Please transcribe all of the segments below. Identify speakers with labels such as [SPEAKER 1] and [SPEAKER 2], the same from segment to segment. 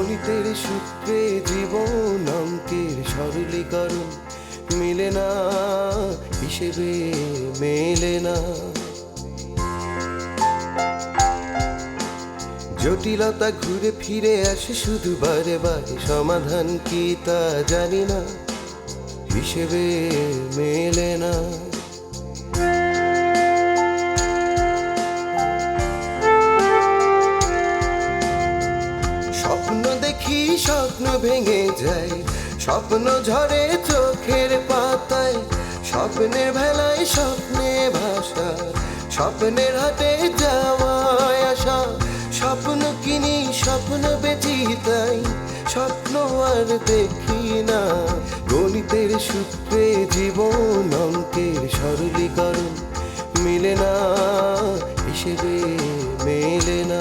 [SPEAKER 1] গণিতের সূত্রে জীবন অঙ্কের সরলীকরণ মিলে না, হিসেবে মেলে না। জটিলতা ঘুরে ফিরে আসে শুধু বারে বারে, সমাধান কি তা জানি না, হিসেবে মেলে না। স্বপ্ন দেখি স্বপ্ন ভেঙে যায়, স্বপ্ন ঝরে চোখের পাতায়, স্বপ্নের ভেলায় স্বপ্নে ভাষা, স্বপ্নের হাটে যাওয়ায় আসা। স্বপ্ন কিনি স্বপ্ন বেচি তাই স্বপ্ন আর দেখি না। গণিতের সূত্রে জীবন অঙ্কের সরলীকরণ মিলে না, হিসেবে মেলে না।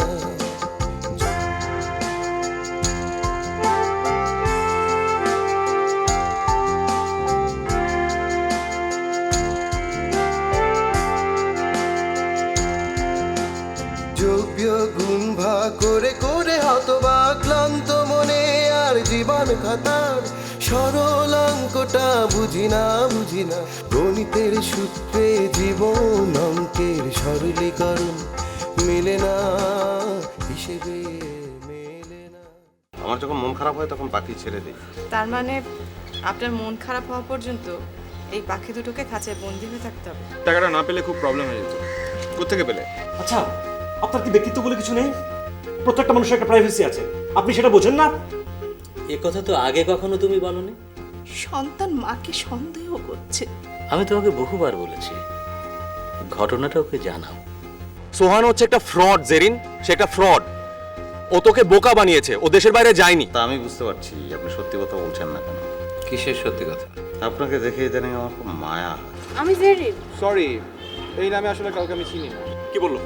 [SPEAKER 1] যোগ্য গুণ ভাগ করে করে হতবা ক্লান্ত মনে আর জীবন খাতার সরল অঙ্কটা বুঝি না, বুঝি না। গণিতের সূত্রে জীবন অঙ্কের সরলীকরণ মেলে না, হিসেবে মেলে না।
[SPEAKER 2] আমার যখন মন খারাপ হয় তখন পাখি ছেড়ে দিই।
[SPEAKER 3] তার মানে আপনার মন খারাপ হওয়া পর্যন্ত এই পাখি দুটোকে খাঁচায় বন্দি হয়ে থাকতে হবে?
[SPEAKER 4] টাকাটা না পেলে খুব প্রবলেম হয়ে যেত। কোত্থেকে পেলে?
[SPEAKER 5] আচ্ছা, আপনার কি ব্যক্তিত্ব বলে কিছু নেই? প্রত্যেকটা মানুষের একটা প্রাইভেসি আছে, আপনি সেটা বোঝেন না?
[SPEAKER 6] এ কথা তো আগে কখনো তুমি বলনি।
[SPEAKER 7] সন্তান মাকে সন্দেহ করছে।
[SPEAKER 6] আমি তোমাকে বহুবার বলেছি ঘটনাটা ওকে জানাও।
[SPEAKER 8] সোহান হচ্ছে একটা ফ্রড জেরিন, সে একটা ফ্রড। ও তোকে বোকা বানিয়েছে, ও দেশের বাইরে যায়নি।
[SPEAKER 2] তা আমি বুঝতে পারছি আপনি সত্যি কথা বলছেন না কেন।
[SPEAKER 9] কিসের সত্যি কথা?
[SPEAKER 2] আপনাকে দেখে ইদানিং আমার খুব মায়া হয়।
[SPEAKER 3] আমি জেরিন।
[SPEAKER 4] সরি, এই নামে আসলে কাউকে আমি চিনি না।
[SPEAKER 8] কি বললো?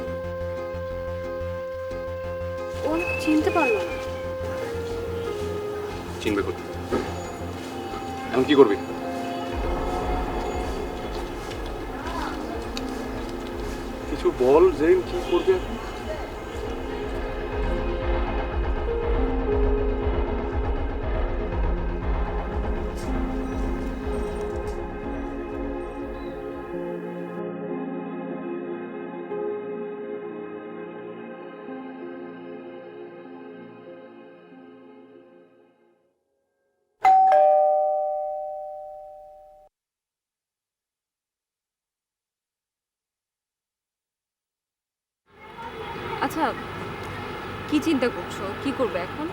[SPEAKER 3] ও চিনতে পারলো না।
[SPEAKER 8] চিনবে করবি, এখন কি করবি? কিছু বল জেরিন, কি করবি এখন?
[SPEAKER 3] আচ্ছা, কি চিন্তা করছো? কি করবে এখন?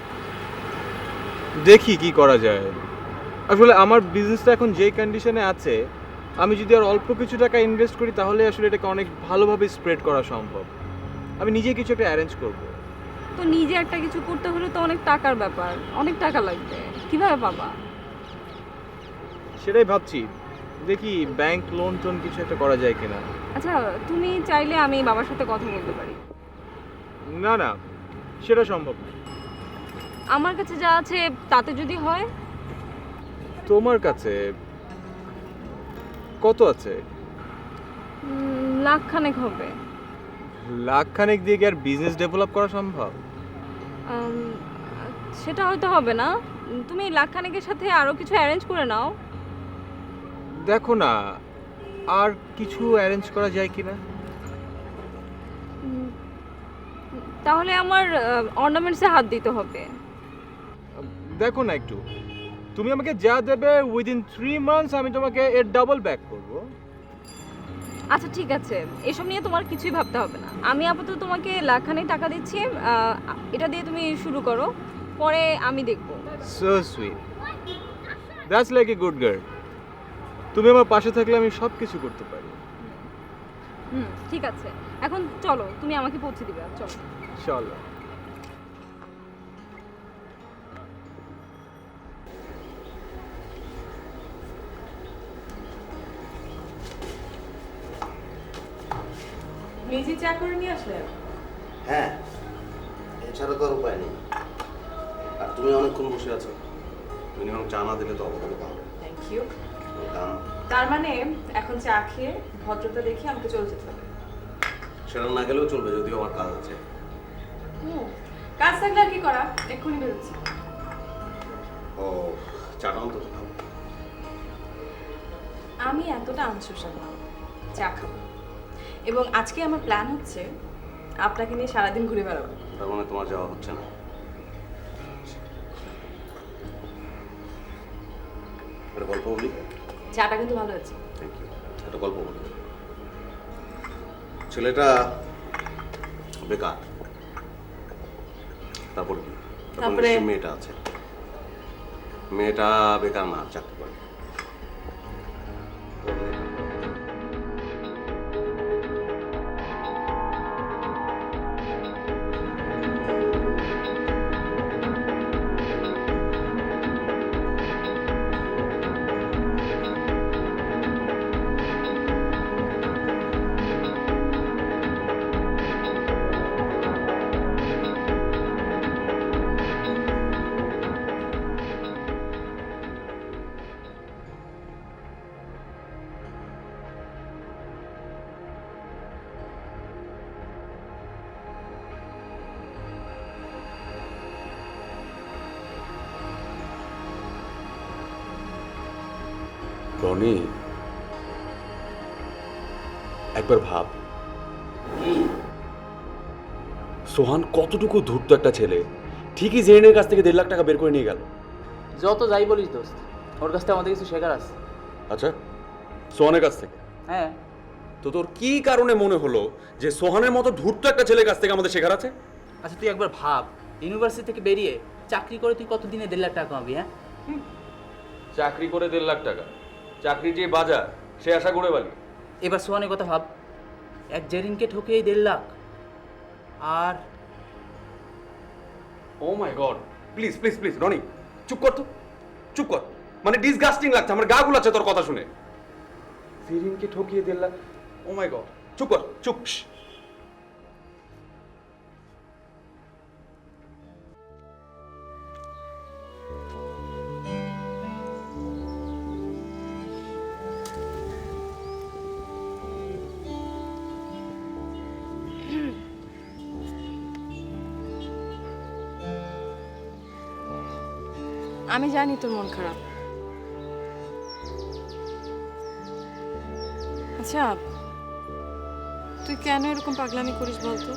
[SPEAKER 4] দেখি কি করা যায়। আসলে আমার বিজনেসটা এখন যেই কন্ডিশনে আছে, আমি যদি আর অল্প কিছু টাকা ইনভেস্ট করি তাহলে আসলে এটাকে অনেক ভালোভাবে স্প্রেড করা সম্ভব। আমি নিজে কিছু একটা অ্যারেঞ্জ করব।
[SPEAKER 3] তো নিজে একটা কিছু করতে হলে তো অনেক টাকার ব্যাপার, অনেক টাকা লাগবে। কিভাবে পাবা?
[SPEAKER 4] সেটাই ভাবছি, দেখি ব্যাংক লোন টোন কিছু একটা করা যায় কিনা।
[SPEAKER 3] আচ্ছা, তুমি চাইলে আমি বাবার সাথে কথা বলতে পারি।
[SPEAKER 4] না না, সেটা সম্ভব না।
[SPEAKER 3] আমার কাছে যা আছে তাতে যদি হয়।
[SPEAKER 4] তোমার কাছে কত আছে?
[SPEAKER 3] লাখখানেক হবে।
[SPEAKER 4] লাখখানেক দিয়ে কি আর বিজনেস ডেভেলপ করা সম্ভব?
[SPEAKER 3] সেটা হয়তো হবে না। তুমি লাখখানেকের সাথে আরো কিছু অ্যারেঞ্জ করে নাও।
[SPEAKER 4] দেখো না, আর কিছু অ্যারেঞ্জ করা যায় কিনা।
[SPEAKER 3] তাহলে আমার অর্নামেন্টসে হাত দিতে হবে।
[SPEAKER 4] দেখো না একটু, তুমি আমাকে যা দেবে উইদিন 3 মান্থস আমি তোমাকে এর ডাবল ব্যাক করব।
[SPEAKER 3] আচ্ছা ঠিক আছে, এসব নিয়ে তোমার কিছুই ভাবতে হবে না। আমি আপাতত তোমাকে লাখখানেক টাকা দিচ্ছি, এটা দিয়ে তুমি শুরু করো, পরে আমি দেখব।
[SPEAKER 4] So sweet, that's like a good girl. তুমি আমার পাশে থাকলে আমি সব কিছু করতে পারি।
[SPEAKER 3] ঠিক আছে, এখন চলো, তুমি আমাকে পৌঁছে দিবে। চলো।
[SPEAKER 4] চলো।
[SPEAKER 3] নিজে চা করে নিয়ে আসলে?
[SPEAKER 2] হ্যাঁ, এছাড়া তো আর উপায় নেই। আর তুমি অনেকক্ষণ বসে আছো, মিনিমাম চা না দিলে তো অবকালে পাবো।
[SPEAKER 3] Thank you. তার মানে এখন চা খেয়ে ভদ্রতা দেখে আমাকে চলে যেতে হবে?
[SPEAKER 2] সেটা না গেলেও চলবে, যদিও আমার কাজ আছে।
[SPEAKER 3] কাজ থাকলে আর কি করা, এক্ষুনি বেরোচ্ছি।
[SPEAKER 2] ও চাটা অন্তত খাও।
[SPEAKER 3] আমি এতটা আনসোশাল না, চা খাবো। এবং আজকে আমার প্ল্যান হচ্ছে আপনাকে নিয়ে সারাদিন ঘুরে বেড়াবো।
[SPEAKER 2] তার মানে তোমার যাওয়া হচ্ছে না? একটা গল্প বলি।
[SPEAKER 3] চাটা কিন্তু ভালো আছে।
[SPEAKER 2] Thank you. একটা গল্প বলি। ছেলেটা বেকার, তারপর কি?
[SPEAKER 3] তারপরে
[SPEAKER 2] নিশ্চয়ই মেয়েটা আছে। মেয়েটা বেকার না, চাকরি করে।
[SPEAKER 8] রনি, একবার ভাব, সোহান কতটুকু ধূর্ত একটা ছেলে, ঠিকই জেরিনের কাছ থেকে 1.5 লাখ টাকা বের করে নিয়ে গেল।
[SPEAKER 9] যত যাই বলিস দোস্ত, ওর কাছ থেকে আমাদের কিছু শেখার আছে।
[SPEAKER 8] আচ্ছা, সোহানের কাছ থেকে?
[SPEAKER 9] হ্যাঁ।
[SPEAKER 8] তো তোর কি কারণে মনে হলো যে সোহানের মতো ধূর্ত একটা ছেলের কাছ থেকে আমাদের শেখার আছে?
[SPEAKER 9] আচ্ছা তুই একবার ভাব, ইউনিভার্সিটি থেকে বেরিয়ে চাকরি করে তুই কতদিনে 1.5 লাখ টাকা কামাবি? হ্যাঁ,
[SPEAKER 8] চাকরি করে 1.5 লাখ টাকা, চাকরি যে বাজার সে আশা করে বালি।
[SPEAKER 9] এবার সোহানের কথা ভাব, এক জেরিনকে ঠকিয়েই 1.5 লাখ। আর
[SPEAKER 8] oh my God, please please please Rony, চুপ কর তো, চুপ কর। মানে ডিসগাস্টিং লাগছে, আমার গা গুলাচ্ছে তোর কথা শুনে। জেরিনকে ঠকিয়ে 1.5 লাখ, ও মাই গড, চুপ কর, চুপ।
[SPEAKER 3] আমি জানি তোর মন খারাপ। আচ্ছা, তুই কেন এরকম পাগলামি করিস বলতো?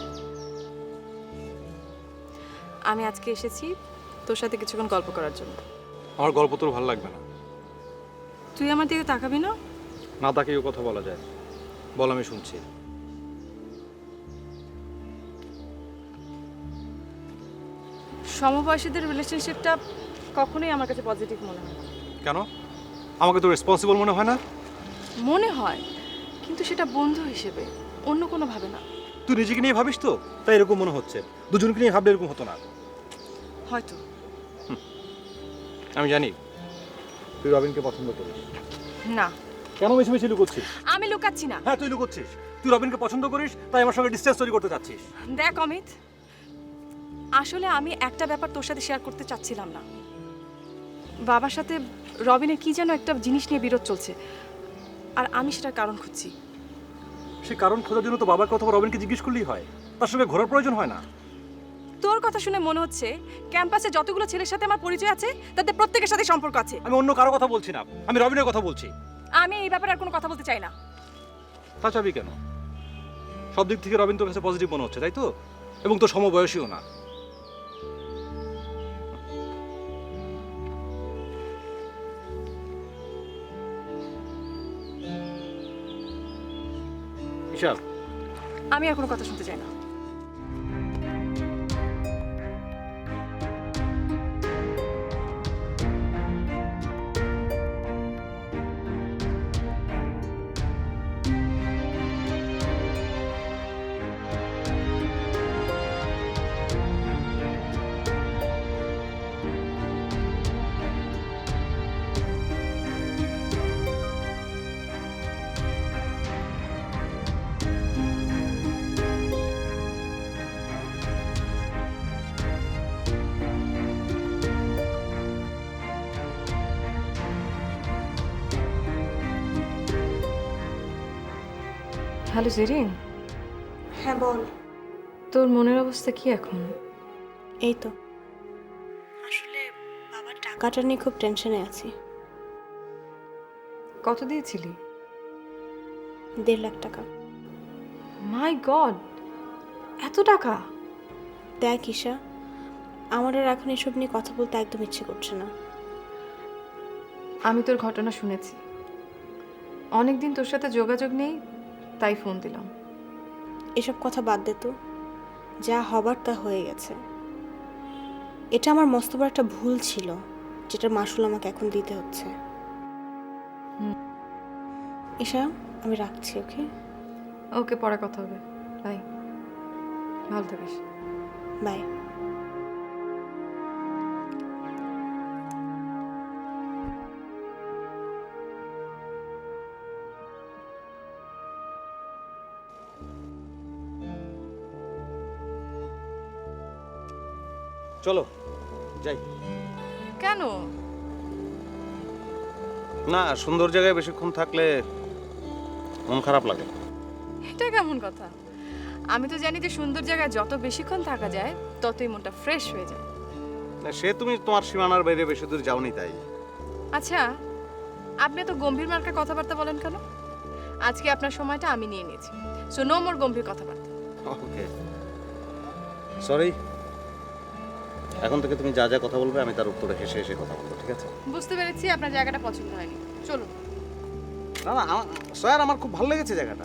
[SPEAKER 3] আমি আজকে এসেছি তোর সাথে কিছুক্ষণ গল্প করার জন্য।
[SPEAKER 4] আমার গল্প তোর ভালো লাগবে না।
[SPEAKER 3] তুই আমার দিকে তাকাবি না?
[SPEAKER 4] না তাকেও কথা বলা যায়, বল, আমি শুনছি।
[SPEAKER 3] সমবয়সীদের রিলেশনশিপটা কখনোই আমার কাছে পজিটিভ মনে হয় না।
[SPEAKER 5] কেন? আমাকে তো রেসপন্সিবল মনে হয় না?
[SPEAKER 3] মনে হয়, কিন্তু সেটা বন্ধু হিসেবে, অন্য কোনো ভাবে না।
[SPEAKER 5] তুই নিজেকে নিয়ে ভাবিস তো, তাই এরকম মনে হচ্ছে। দুজনকে নিয়ে ভাবলে এরকম হতো না।
[SPEAKER 3] হয়তো।
[SPEAKER 4] আমি জানি তুই রবিনকে পছন্দ করিস।
[SPEAKER 3] না।
[SPEAKER 5] কেন মিছে মিছে লুকোচ্ছিস?
[SPEAKER 3] আমি লুকাচ্ছি না।
[SPEAKER 5] হ্যাঁ, তুই লুকোচ্ছিস। তুই রবিনকে পছন্দ করিস, তাই আমার সঙ্গে ডিসটেন্স তৈরি করতে চাচ্ছিস।
[SPEAKER 3] দেখ অমিত, আসলে আমি একটা ব্যাপার তোর সাথে শেয়ার করতে চাচ্ছিলাম না। বাবার সাথে রবিনের কি যেন একটা জিনিস নিয়ে বিরোধ চলছে, আর আমি সেটার কারণ খুঁজছি।
[SPEAKER 5] সে কারণ খোঁজার জন্য তো বাবাকে অথবা রবিনকে জিজ্ঞেস করলেই হয়, তার সঙ্গে ঘোরার প্রয়োজন হয় না।
[SPEAKER 3] তোর কথা শুনে মনে হচ্ছে ক্যাম্পাসে যতগুলো ছেলের সাথে আমার পরিচয় আছে তাদের প্রত্যেকের সাথে সম্পর্ক আছে।
[SPEAKER 5] আমি অন্য কারো কথা বলছি না, আমি রবিনের কথা বলছি।
[SPEAKER 3] আমি এই ব্যাপারে আর কোনো কথা বলতে চাই না।
[SPEAKER 5] তা চাবি কেন? সব দিক থেকে রবিন তোর কাছে পজিটিভ মনে হচ্ছে, তাই তো? এবং তোর সমবয়সীও না। ঈশা,
[SPEAKER 3] আমি আর কোনো কথা শুনতে চাই না। হ্যালো জেরিন।
[SPEAKER 7] হ্যাঁ বল।
[SPEAKER 3] তোর মনের অবস্থা কি এখন?
[SPEAKER 10] এই তো আসলে বাবার টাকাটা নিয়ে খুব টেনশনে আছি।
[SPEAKER 3] কত দিয়েছিলি?
[SPEAKER 10] 1.5 লাখ টাকা।
[SPEAKER 3] মাই গড, এত টাকা!
[SPEAKER 10] দেখ ঈশা, আমার আর এখন এসব নিয়ে কথা বলতে একদম ইচ্ছে করছে না।
[SPEAKER 3] আমি তোর ঘটনা শুনেছি, অনেকদিন তোর সাথে যোগাযোগ নেই, তাই ফোন দিলাম।
[SPEAKER 10] এসব কথা বাদ দে তো, যা হবার তা হয়ে গেছে। এটা আমার মস্ত বড় একটা ভুল ছিল, যেটার মাসুল আমাকে এখন দিতে হচ্ছে। ঈশা, আমি রাখছি। ওকে
[SPEAKER 3] ওকে, পরে কথা হবে। বাই, ভালো থাকিস।
[SPEAKER 10] বাই।
[SPEAKER 2] চলো যাই।
[SPEAKER 3] কেন?
[SPEAKER 2] না, সুন্দর জায়গায় বেশিক্ষণ থাকলে মন খারাপ লাগে।
[SPEAKER 3] এটা কেমন কথা? আমি তো জানি যে সুন্দর জায়গায় যত বেশিক্ষণ থাকা যায় ততই মনটা ফ্রেশ হয়ে যায়।
[SPEAKER 2] না, সে তুমি তোমার সীমানার বাইরে বেশি দূর যাওনি তাই।
[SPEAKER 3] আচ্ছা, আপনি এত গম্ভীর মার্কা কথাবার্তা বলেন কেন? আজকে আপনার সময়টা আমি নিয়ে নিয়েছি, সো নো মোর গম্ভীর কথাবার্তা।
[SPEAKER 2] Okay, sorry. এখন থেকে তুমি যা যা কথা বলবে আমি তার উত্তরে হেসে হেসে কথা বলবো, ঠিক আছে?
[SPEAKER 3] বুঝতে পেরেছি আপনার জায়গাটা পছন্দ হয়নি, চলুন।
[SPEAKER 2] না না, স্যার আমার খুব ভালো লেগেছে জায়গাটা।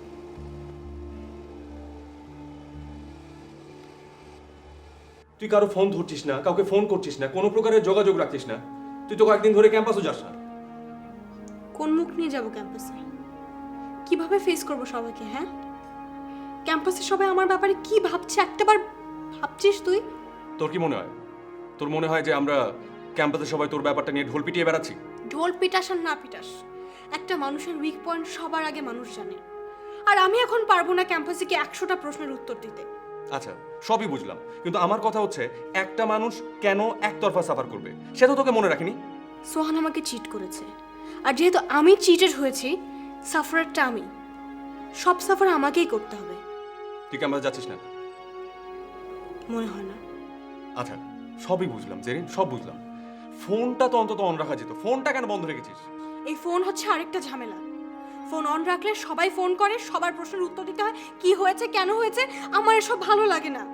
[SPEAKER 5] তুই কারো ফোন ধরছিস না, কাউকে ফোন করছিস না, কোনো প্রকারের যোগাযোগ রাখছিস না। তুই তো কয়েকদিন ধরে ক্যাম্পাসও যাস না।
[SPEAKER 10] কোন মুখ নিয়ে যাব ক্যাম্পাসে? কিভাবে ফেস করব সবাইকে? হ্যাঁ, ক্যাম্পাসে সবাই আমার ব্যাপারে কি ভাবছে একটাবার ভাবছিস তুই?
[SPEAKER 5] তোর কি মনে হয়? তোর মনে হয় যে আমরা ক্যাম্পাসে সবাই তোর ব্যাপারটা নিয়ে ঢোল পিটিয়ে বেড়াচ্ছি?
[SPEAKER 10] ঢোল পিটাস আর না পিটাস, একটা মানুষের উইক পয়েন্ট সবার আগে মানুষ জানে। আর আমি এখন পারবো না ক্যাম্পাসে কি 100টা প্রশ্নের উত্তর দিতে।
[SPEAKER 5] আচ্ছা, সবই বুঝলাম, কিন্তু আমার কথা হচ্ছে একটা মানুষ কেন একতরফা সাফার করবে সেটা তোকে মনে রাখিনি?
[SPEAKER 10] সোহান আমাকে চিট করেছে, আর যেহেতু আমি চিটেড হয়েছি, সাফারটা আমি। সব সাফার আমাকেই করতে হবে।
[SPEAKER 5] তুই ক্যাম্পাসে যাচ্ছিস না?
[SPEAKER 10] মনে হয় না।
[SPEAKER 5] আচ্ছা, সবই বুঝলাম জেরিন, সব বুঝলাম। ফোনটা তো অন্তত অন রাখা যেত, ফোনটা কেন বন্ধ রেখেছিস?
[SPEAKER 10] এই ফোন হচ্ছে আরেকটা ঝামেলা। ফোন অন রাখলে সবাই ফোন করে, সবার প্রশ্নের উত্তর দিতে হয়, কি হয়েছে কেন হয়েছে। আমার এসব ভালো লাগে না।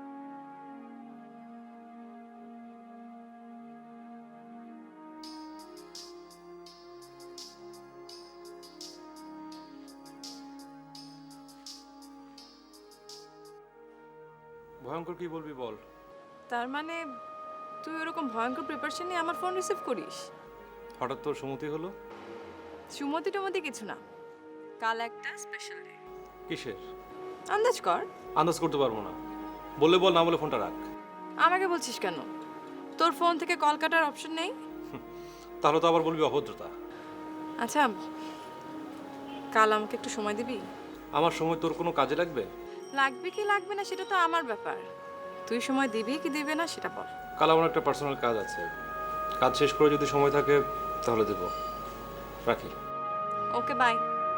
[SPEAKER 5] ভয়ঙ্কর কি বলবি বল?
[SPEAKER 3] তার মানে তুই ওরকম ভয়ঙ্কর প্রিপারেশন নিয়ে আমার ফোন রিসিভ করিস?
[SPEAKER 5] হঠাৎ তোর সুমতি হলো?
[SPEAKER 3] সুমতি টুমতি কিছু না, কাল একটা স্পেশাল ডে।
[SPEAKER 5] কিসের?
[SPEAKER 3] আন্দাজ কর।
[SPEAKER 5] আন্দাজ করতে পারবো না, বললে বল, না বলে ফোনটা রাখ।
[SPEAKER 3] আমাকে বলছিস কেন? তোর ফোন থেকে কল কাটার অপশন নেই?
[SPEAKER 5] তাহলে তো আবার বলবি অভদ্রতা।
[SPEAKER 3] আচ্ছা, কাল আমাকে একটু সময় দিবি?
[SPEAKER 5] আমার সময় তোর কোনো কাজে লাগবে?
[SPEAKER 3] লাগবে কি লাগবে না সেটা তো আমার ব্যাপার, তুই সময় দিবি কি দিবে না সেটা বল।
[SPEAKER 5] কাল আমার একটা পার্সোনাল কাজ আছে, কাজ শেষ করে যদি সময় থাকে তাহলে দেব। রাখি।
[SPEAKER 3] Okay, bye.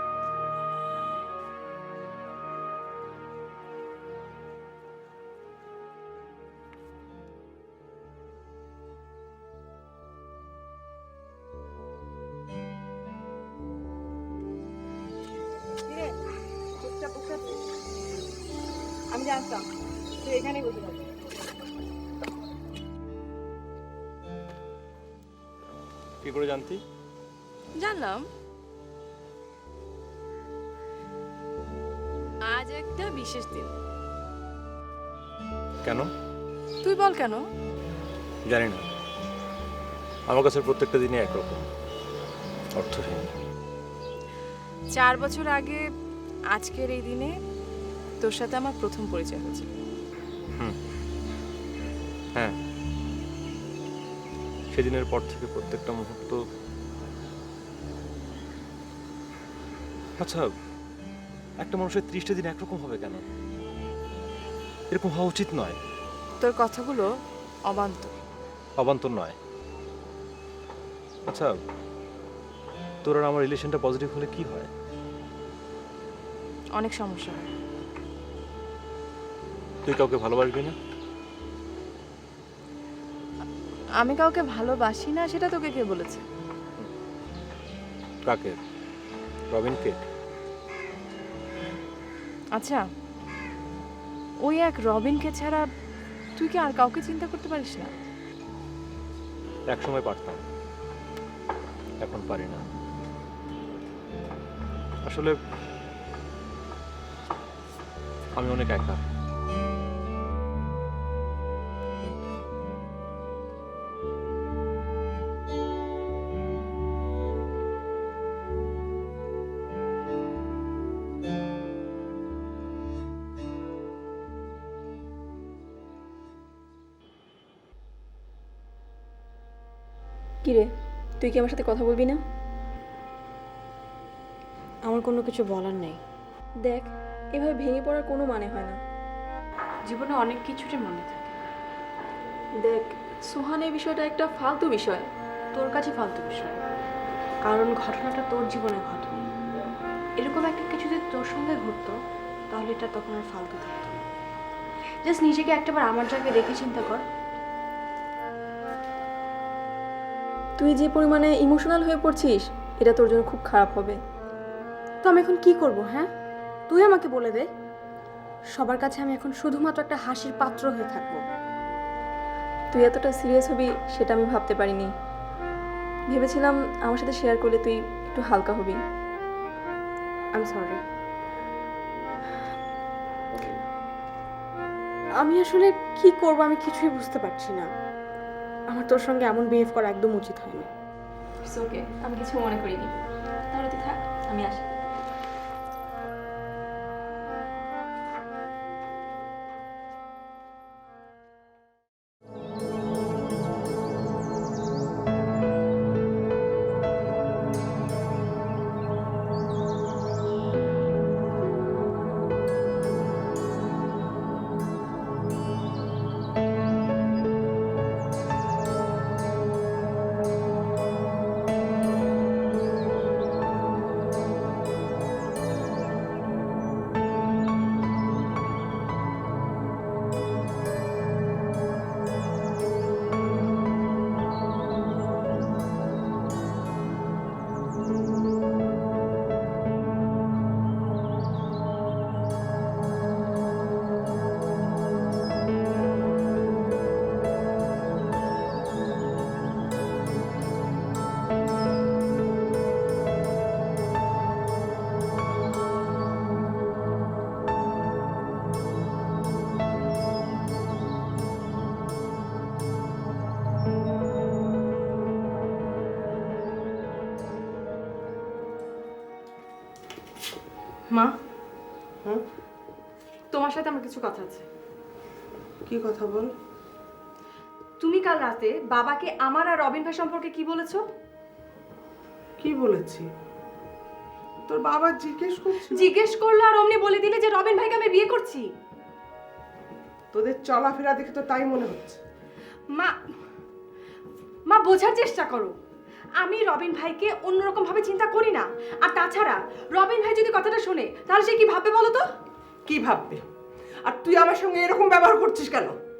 [SPEAKER 3] আমি জানতাম তুই এখানেই বসে থাকবি।
[SPEAKER 5] কি করে জানতি?
[SPEAKER 3] জানলাম, আজ একটা বিশেষ দিন।
[SPEAKER 5] কেন?
[SPEAKER 3] তুই বল কেন?
[SPEAKER 5] জানি না, আমার কাছে প্রত্যেকটা দিনই একরকম, অর্থহীন।
[SPEAKER 3] 4 বছর আগে আজকের এই দিনে তোর সাথে আমার প্রথম পরিচয় হয়েছে।
[SPEAKER 5] হ্যাঁ, সেদিনের পর থেকে প্রত্যেকটা মুহূর্ত। আচ্ছা, একটা মানুষের 30টা দিন একরকম হবে কেন? এরকম হওয়া উচিত নয়।
[SPEAKER 3] তোর কথাগুলো অবান্তর।
[SPEAKER 5] অবান্তর নয়। আচ্ছা, তোর আর আমার রিলেশনটা পজিটিভ হলে কি হয়?
[SPEAKER 3] অনেক সমস্যা হয়।
[SPEAKER 5] তুই কাউকে ভালোবাসবি না?
[SPEAKER 3] আমি কাউকে ভালোবাসি না সেটা তোকে কে বলেছে?
[SPEAKER 5] কাকে? রবিনকে?
[SPEAKER 3] আচ্ছা, ওই এক রবিনকে ছাড়া তুই কি আর কাউকে চিন্তা করতে পারিস না?
[SPEAKER 5] এক সময় পারতাম, এখন পারি না। আসলে আমি অনেক একা।
[SPEAKER 3] কিরে, তুই কি আমার সাথে কথা বলবি না?
[SPEAKER 10] আমার কোনো কিছু বলার নেই।
[SPEAKER 3] দেখ, এভাবে ভেঙে পড়ার কোনো মানে হয় না। জীবনে অনেক কিছুরই মনে থাকে। দেখ, সোহান এই বিষয়টা একটা ফালতু বিষয়, তোর কাছে ফালতু বিষয়, কারণ ঘটনাটা তোর জীবনে ঘটেনি। এরকম একটা কিছু যদি তোর সঙ্গে ঘটতো তাহলে এটা তখন আর ফালতু থাকতো না। জাস্ট নিজেকে একটাবার আমার জায়গায় রেখে চিন্তা কর। তুই যে পরিমাণে ইমোশনাল হয়ে পড়ছিস এটা তোর জন্য খুব খারাপ হবে।
[SPEAKER 10] তো আমি এখন কি করব? হ্যাঁ, তুই আমাকে বলে দে। সবার কাছে আমি এখন শুধুমাত্র একটা হাসির পাত্র হয়ে থাকবো।
[SPEAKER 3] তুই এতটা সিরিয়াস হবি সেটা আমি ভাবতে পারিনি। ভেবেছিলাম আমার সাথে শেয়ার করলে তুই একটু হালকা হবি।
[SPEAKER 10] I am sorry. আমি আসলে কি করব আমি কিছুই বুঝতে পারছি না। আমার তোর সঙ্গে এমন বিহেভ করা একদম উচিত হয়নি।
[SPEAKER 3] ইটস ওকে, আমি কিছু মনে করিনি। তাহলে তুই থাক, আমি আসি। মা, তোমার সাথে আমার কিছু কথা আছে।
[SPEAKER 7] কি কথা বল?
[SPEAKER 3] তুমি কাল রাতে বাবাকে আমার আর রবিন ভাই সম্পর্কে কি বলেছো?
[SPEAKER 7] কি বলেছি? তোর বাবা জিজ্ঞেস করছি।
[SPEAKER 3] জিজ্ঞেস করলো আর অমনি বলে দিলে যে রবিন ভাইকে আমি বিয়ে করছি।
[SPEAKER 7] তোদের চলাফেরা দেখে তো তাই মনে হচ্ছে।
[SPEAKER 3] মা, মা বোঝার চেষ্টা করো। আমি রবিন ভাইকে অন্যরকম ভাবে চিন্তা করি না। আর তাছাড়া রবিন ভাই যদি কথাটা শোনে তাহলে সে কি ভাববে বলো তো?
[SPEAKER 7] কি ভাববে? আর তুই আমার সঙ্গে এরকম ব্যবহার করছিস কেন?